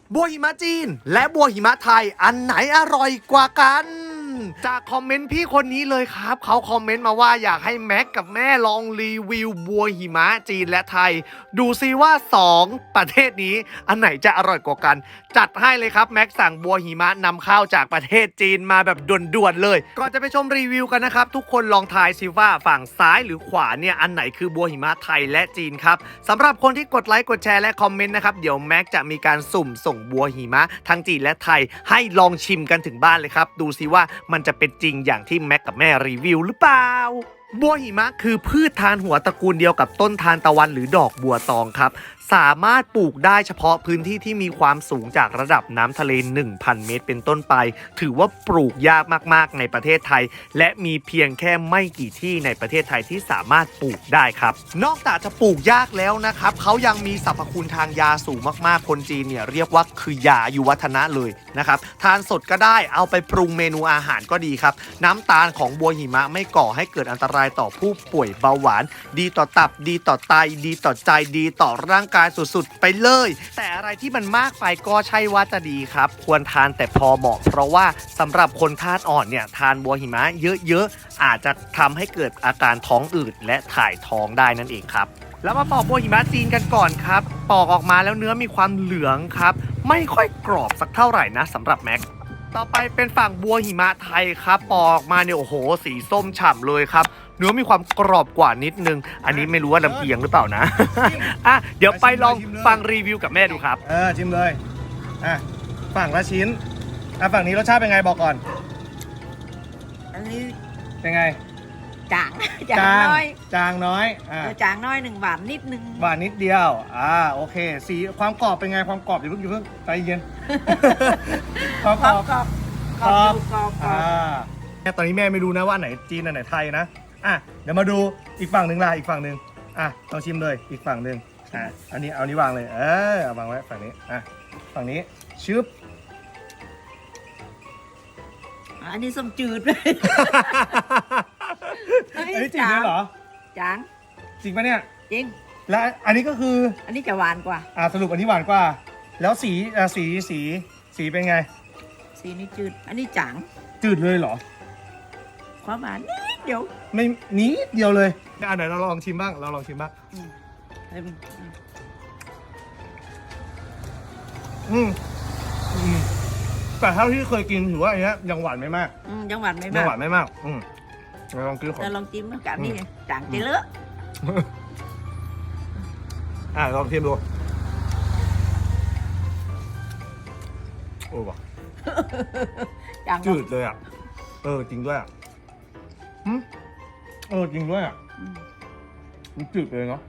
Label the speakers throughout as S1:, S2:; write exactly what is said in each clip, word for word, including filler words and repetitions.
S1: บัวหิมะจีนและบัวหิมะไทยอันไหนอร่อยกว่ากันจากคอมเมนต์พี่คนนี้เลยครับเขาคอมเมนต์มาว่าอยากให้แม็กกับแม่ลองรีวิวบัวหิมะจีนและไทยดูซิว่าสองประเทศนี้อันไหนจะอร่อยกว่ากันจัดให้เลยครับแม็กสั่งบัวหิมะนำเข้าจากประเทศจีนมาแบบด่วนๆเลยก่อนจะไปชมรีวิวกันนะครับทุกคนลองทายซิว่าฝั่งซ้ายหรือขวาเนี่ยอันไหนคือบัวหิมะไทยและจีนครับสำหรับคนที่กดไลค์กดแชร์และคอมเมนต์นะครับเดี๋ยวแม็กจะมีการสุ่มส่งบัวหิมะทั้งจีนและไทยให้ลองชิมกันถึงบ้านเลยครับดูซิว่ามันจะเป็นจริงอย่างที่แม็กกับแม่รีวิวหรือเปล่าบัวหิมะคือพืชทานหัวตระกูลเดียวกับต้นทานตะวันหรือดอกบัวตองครับสามารถปลูกได้เฉพาะพื้นที่ที่มีความสูงจากระดับน้ำทะเล หนึ่งพัน เมตรเป็นต้นไปถือว่าปลูกยากมากๆในประเทศไทยและมีเพียงแค่ไม่กี่ที่ในประเทศไทยที่สามารถปลูกได้ครับนอกจากจะปลูกยากแล้วนะครับเขายังมีสรรพคุณทางยาสูงมากๆคนจีนเนี่ยเรียกว่าคือยาอายุวัฒนะเลยนะครับทานสดก็ได้เอาไปปรุงเมนูอาหารก็ดีครับน้ำตาลของบัวหิมะไม่ก่อให้เกิดอันตรายต่อผู้ป่วยเบาหวานดีต่อตับดีต่อไตดีต่อใจดีต่อร่างกายสุดๆไปเลยแต่อะไรที่มันมากไปก็ใช่ว่าจะดีครับควรทานแต่พอเหมาะเพราะว่าสำหรับคนธาตุอ่อนเนี่ยทานบัวหิมะเยอะๆอาจจะทำให้เกิดอาการท้องอืดและถ่ายท้องได้นั่นเองครับแล้วมาปอกบัวหิมะจีนกันก่อนครับปอกออกมาแล้วเนื้อมีความเหลืองครับไม่ค่อยกรอบสักเท่าไหร่นะสำหรับแม็กต่อไปเป็นฝั่งบัวหิมะไทยครับปอกออกมาเนี่ยโอ้โหสีส้มฉ่ำเลยครับเนื้อมีความกรอบกว่านิดนึงอันนี้ไม่รู้ว่าลำเอียงหรือเปล่านะอ่ะเดี๋ยวไปลองฟังรีวิวกับแม่ดูครับ
S2: เออชิมเลยอ่ะฝั่งละชิ้นอ่ะฝั่งนี้รสชาติเป็นไงบอกก่อน
S3: อันนี้
S2: เป็นไง
S3: จางจางน้อย
S2: จางน้อยอ่า
S3: จางน้อยหนึ่งหวานนิดนึง
S2: หวานนิดเดียวอ่าโอเคสีความกรอบเป็นไงความกรอบอย่าเพิ่งอย่าเพิ่งใจเย็น
S3: ความกรอบกรอบกรอบกรอบ
S2: อ่าตอนนี้แม่ไม่รู้นะว่าไหนจีนอันไหนไทยนะอ่ะเดี๋ยวมาดูอีกฝั่งหนึ่งล่ะอีกฝั่งหนึ่งอ่ะลองชิมเลยอีกฝั่งหนึ่งอ่ะอันนี้เอานี้วางเลยเออเอาวางไว้ฝั่งนี้อ่ะฝั่งนี้ชึบ
S3: อันนี้ส้มจืดเลย
S2: อันนี้จริงเลยเหรอ
S3: จาง
S2: จริงปะเนี่ย
S3: จริง
S2: และอันนี้ก็คือ
S3: อันนี้จะหวานกว่า
S2: อ่าสรุปอันนี้หวานกว่าแล้วสีอ่าสีสีสีเป็นไง
S3: สีนี้จืดอันนี้จาง
S2: จืดเลยเหรอ
S3: ความหวานนิดเดียว
S2: ไม่นิดเดียวเลยอ่ะไหนเราลองชิมบ้างเราลองชิมบ้างอืมอืมแต่เท่าที่เคยกินถือว่าอันนี้ยังหวานไม่มาก
S3: อืมยังหวานไม่มาก
S2: ยังหวานไม่มากอืมเราลองกินก่อน
S3: เราลองจิ้มกันนี่จางเจริญ
S2: อ่ะลองชิมดูโอ้ว่ะจืดเลยอ่ะเออจริงด้วยอ่ะเออจริงด้วยอ่ะมันจืดเลยเนาะ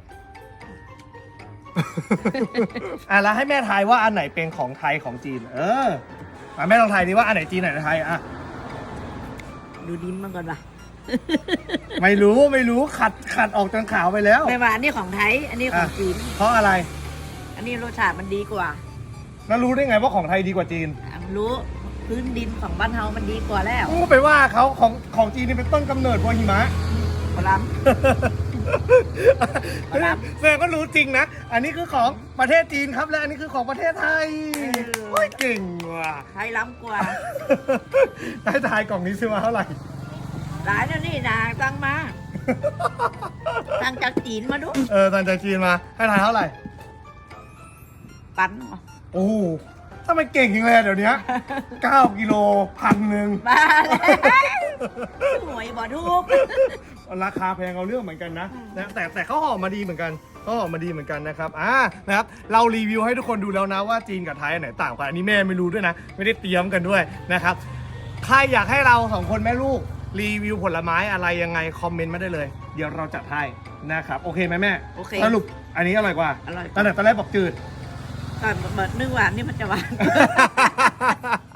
S2: อ่ะแล้วให้แม่ทายว่าอันไหนเป็นของไทยของจีนเอออ่ะแม่ลองทายดิว่าอันไหนจีนอันไหนไทยอ่ะ
S3: ดูดิ้มมันก่อนป่ะ
S2: ไม่รู้ไม่รู้ขัดขัดออกจนขาวไปแล้ว
S3: ไม่ว่าอันนี้ของไทยอันนี้ของจีน
S2: เพราะอะไร
S3: อันนี้รสชาติมันดีกว่า
S2: แล้วรู้ได้ไงว่าของไทยดีกว่าจีน
S3: รู้พื้นดินของบ้านเฮามันดีกว่าแล้ว
S2: ก็ไปว่าเขาของของจีนนี่เป็นต้นกำเนิดบัวหิมะ
S3: พลัม
S2: พลัมแสดงก็รู้จริงนะอันนี้คือของประเทศจีนครับและอันนี้คือของประเทศไทยโอ้ยเก่งว่ะ
S3: ไทยล้ำกว่า
S2: ได้ทายกล่องนี้ซื้อมาเท่าไหร่
S3: หลายแล้วนี่นะตั้งมาตั้งจากจีนมาดู
S2: เออตั้งจากจีนมาให้ทายเท่าไหร่
S3: ปัน
S2: โอ้ทำไมเก่งจริงเลยเดี๋ยวนี้เก้ากิโลพันหนึ่ง
S3: บ้าเลยหวยบ่ทุก
S2: ราคาแพงเอาเรื่องเหมือนกันนะแต่แต่เขาห่อมาดีเหมือนกันเขาห่อมาดีเหมือนกันนะครับอ่านะครับเรารีวิวให้ทุกคนดูแล้วนะว่าจีนกับไทยอันไหนต่างกันอันนี้แม่ไม่รู้ด้วยนะไม่ได้เตรียมกันด้วยนะครับใครอยากให้เราสองคนแม่ลูกรีวิวผลไม้อะไรยังไงคอมเมนต์มาได้เลยเดี๋ยวเราจัดให้นะครับโอเคไหมแม่
S3: โอเค
S2: สรุปอันนี้อร่อยกว่า
S3: อร่อย
S2: ตอนแรกตอนแรกบอกจืด
S3: ก่อนเบิดนึ่งหวานนี่มันจะหวาน